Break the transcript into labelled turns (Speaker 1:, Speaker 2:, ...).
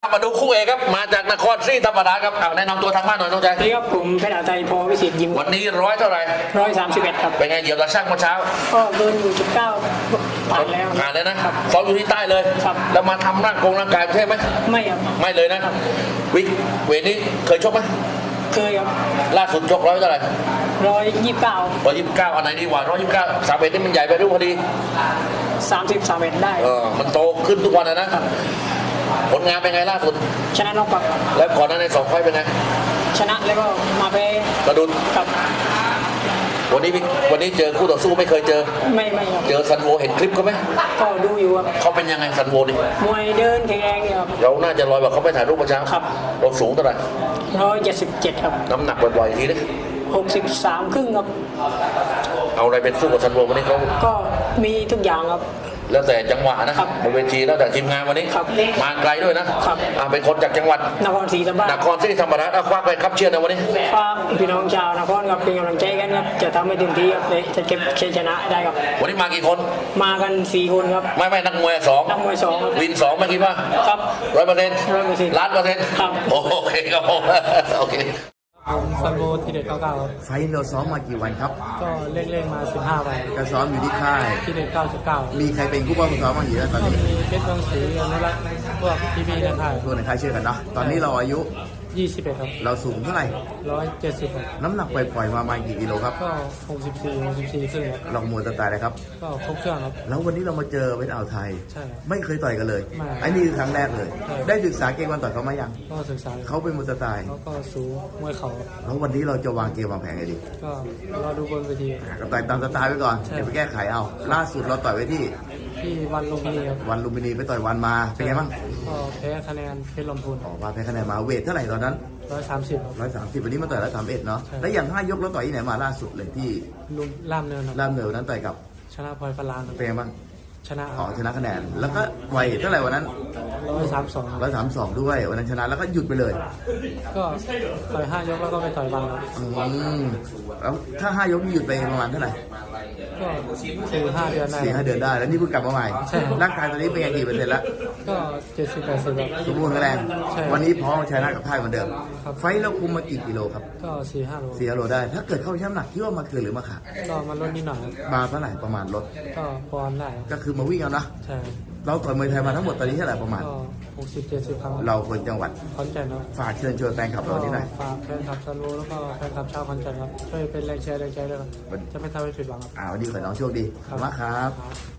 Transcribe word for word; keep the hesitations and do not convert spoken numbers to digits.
Speaker 1: มาดูคู่เอกครับมาจากนครศรีธรรมราชครับเอาแนะนำตัวทางบ้านหน่อยน้องชาย
Speaker 2: สวัสดีครับผมเพชรอาไทยพอวิสิตยิม
Speaker 1: วันนี้ร้อยเท่าไหร่
Speaker 2: ร้อยสามสิบเอ็ดครับ
Speaker 1: เป็นไงเหยียบตะช่างเมื่อเช้า
Speaker 2: ก็เดินอยู่จุดเก้าผ่านแล้ว
Speaker 1: ผ่านเลยนะซ้อมอยู่ที่ใต้เลย
Speaker 2: ครับ
Speaker 1: แล้วมาทำร่างกงร่างกายใช่ไหม
Speaker 2: ไม่ครับ
Speaker 1: ไม่เลยนะวิกเวทนี้เคยชกไหม
Speaker 2: เคยครับ
Speaker 1: ล่าสุดชกร้อยเท่าไหร่
Speaker 2: ร้อยยี่สิบเก้า
Speaker 1: ร้อยยี่สิบเก้าอันไหนดีกว่าร้อยยี่สิบเก้าสามเอ็ดนี่มันใหญ่ไปดูพอดี
Speaker 2: สามสิบสามเอ็ดได้
Speaker 1: เออมันโตขึ้นทุกวันนะนะผลงานเป็นไงล่าสุด
Speaker 2: ชนะนอกกับ
Speaker 1: แล้วก่อนหน้าในสองไฟต์เป็นไง
Speaker 2: ชนะแล้วก็มาไป
Speaker 1: กระดุน
Speaker 2: กับ
Speaker 1: วันนี้วันนี้เจอคู่ต่อสู้ไม่เคยเจอ
Speaker 2: ไม่ไม่ครับ
Speaker 1: เจอซันโวเห็นคลิปเขาไหม
Speaker 2: ก็ดูอยู่ครับ
Speaker 1: เขาเป็นยังไงซันโวนี่
Speaker 2: มวยเดินแข็งแรงครับ
Speaker 1: เราน่าจะลอยแบบเขาไปถ่ายรูปประจำ
Speaker 2: ครับ
Speaker 1: เราสูงเท่าไหร่
Speaker 2: ร้อยเจ็ดสิบเจ็ดครับ
Speaker 1: น้ำหนักบ่อยๆทีนี้
Speaker 2: หกสิบสามครึ่งครับ
Speaker 1: เอาอะไรเป็นสู้กับซันโววันนี้เขา
Speaker 2: ก็มีทุกอย่างครับ
Speaker 1: แล้วแต่จังหวะนะครับ บนเวทีแล้วแต่ทีมงานวันนี้
Speaker 2: ครับ
Speaker 1: มาไกลด้วยนะครับ อ่าเป็นคนจากจังหวัด
Speaker 2: นครศรีธรรมราช
Speaker 1: นครศรีธรรมราชเอาคว้าไปครับเชียร์ในวันนี้
Speaker 2: ฝากพี่น้องชาวนครครับเป็นกำลังใจกันครับจะทำให้เต็มที่ครับเลยจะเก็บชัยชนะให้ได้ครับ
Speaker 1: วันนี้มากี่คน
Speaker 2: มากันสี่คนครับ
Speaker 1: ไม่ไม่นักมวยสอง
Speaker 2: นักมวยสองครับ
Speaker 1: วินสองไม่คิดว่า
Speaker 2: ครับ
Speaker 1: ร้อยเปอร์เซ็นต์
Speaker 2: ร้อยเปอร์เซ็นต์
Speaker 1: ล้านเปอร์เซ็นต์
Speaker 2: ครับ
Speaker 1: โอเคครับผมโอเค
Speaker 2: ผมซันโบทีเด็ดเก้าเก้าครับ
Speaker 3: ไฟท์เราซ้อมมากี่วันครับ
Speaker 2: ก็เล่นๆมาสิบห้าวัน
Speaker 3: ก็ซ้อมอยู่ที่ค่าย
Speaker 2: ทีเด็ดเก้าสิบเก้า
Speaker 3: มีใครเป็นผู้ป้องกันซ้อมบ้างอยู่แล้วตอน
Speaker 2: ก็
Speaker 3: นี้
Speaker 2: มีเพชรเมืองศรีอนุรักษ์พวกพี่ๆในค่าย
Speaker 3: ตัวในค่ายเชื่อกันเนาะ ตอนนี้เราอายุ
Speaker 2: ยี่สิบเอ็ดครับ
Speaker 3: เราสูงเท่าไหร่
Speaker 2: ร้อยเจ็ดสิบครับ
Speaker 3: น้ำหนักปล่อยๆมาประมาณกี่กิโลครับ
Speaker 2: ก็หกสิบสี่หกสิบสี่ครึ่งครับ
Speaker 3: ลองมวยสไตล์เลยครับ
Speaker 2: ก็ครบเครื่องครับ
Speaker 3: แล้ววันนี้เรามาเจอเป็นอ่าวไทย
Speaker 2: ใช่ครับ
Speaker 3: ไม่เคยต่อยกันเลย
Speaker 2: ไม่
Speaker 3: ไอ้นี่คือครั้งแรกเลย
Speaker 2: ใช่
Speaker 3: ได้ศึกษาเกมวันต่อยเขามายัง
Speaker 2: ก็ศึกษา
Speaker 3: เขาเป็นมวยสไตล์
Speaker 2: เขาก็สูงมวยเขา
Speaker 3: แล้ววันนี้เราจะวางเกมวางแผนไงดี
Speaker 2: ก็รอดูบนเวที
Speaker 3: อ่ะก็ต่อยตามสไตล์ไว้ก่อน
Speaker 2: ใช่
Speaker 3: เดี๋ยวไปแก้ไขเอา ล่าสุดเราต่อยไว้ที่
Speaker 2: ที่วันลุมพินีครับ
Speaker 3: วันลุมพินีไปต่อยวันมา เป็นไงบ้าง
Speaker 2: ก็แพ้คะแนนเพชรลำพูน
Speaker 3: ออกมาแพ้คะแนนมาเวทเท่าไหร่ตอนนั้น
Speaker 2: ร้อยสามสิบครับ
Speaker 3: ร้อยสามสิบวันนี้มาต่อยร้อยสามเอ็ดเนาะ
Speaker 2: ใช่
Speaker 3: แล้วอย่างห้ายกเราต่อยที่ไหนมาล่าสุดเลยที่
Speaker 2: ลุมล่ามเนินครับ
Speaker 3: ล่ามเหนือวันนั้นต่อยกับ
Speaker 2: ชนะพลอยฟลางครับ
Speaker 3: เป็นไงบ้าง
Speaker 2: ชนะ
Speaker 3: อ๋อชนะคะแนน แล้วก็ไวเท่าไหร่วันนั้น
Speaker 2: ร้อยสามสอง
Speaker 3: ร้อยสามสองด้วยวันนั้นชนะแล้วก็หยุดไปเลย
Speaker 2: ก็ต่อยห้ายกแล้วก็ไปต่อยวันครับ
Speaker 3: อืมแล้วถ้าห้ายกนี่หยุดไปประมาณเท่าไหร่
Speaker 2: ก็สี่ห้าเดือนได้
Speaker 3: สี่ห้าเดือนได้ แล้วนี่เพิ่งกลับมาใหม่
Speaker 2: ใช่ครับ
Speaker 3: ร่างกายตอนนี้เป็นไงกี่เปอร์เซ็นต์ละ
Speaker 2: ก็เจ็ดสิบแปดสิบครับ
Speaker 3: สมบูรณ์แข็งแรง
Speaker 2: ใช่
Speaker 3: วันนี้พร้อมชนะกับค่ายเหมือนเดิม
Speaker 2: ครับ
Speaker 3: ไฟท์เราคุมมากี่กิโลครับ
Speaker 2: ก็สี่ห้าโล
Speaker 3: สี่กิโลได้ ถ้าเกิดเข้าช่ำหนักคิดว่ามาเกินหรือมาขาด
Speaker 2: ก็มาลดนิดหน่อยครับ
Speaker 3: มาเท่าไหร่ประมาณลด
Speaker 2: ก็ปอนด์ได้ครับ
Speaker 3: ก็คือมาวิ่งเอานะ
Speaker 2: ใช่ครับ
Speaker 3: เราต่อยมวยไทยมาทั้งหมดตอนนี้เท่าไหร่ประมาณ
Speaker 2: ก็หกสิบเจ็ดสิบครั้ง
Speaker 3: เราคนจังหวัด
Speaker 2: ขอนแก่นครับ
Speaker 3: ฝากเชิญชวนแฟนคลับ
Speaker 2: ก็
Speaker 3: เราที่ไหนอย
Speaker 2: ฝากแฟนคลับซันโวแล้วก็แฟนคลับชาวขอนแก่นครับช่วยเป็นแรงเชียร์แรงใจด้วยครับจะไม่ทำให้ผิดหวังครับ
Speaker 3: อ่าวันนี้ขอให้น้องโชคดีขอบคุณมากครับ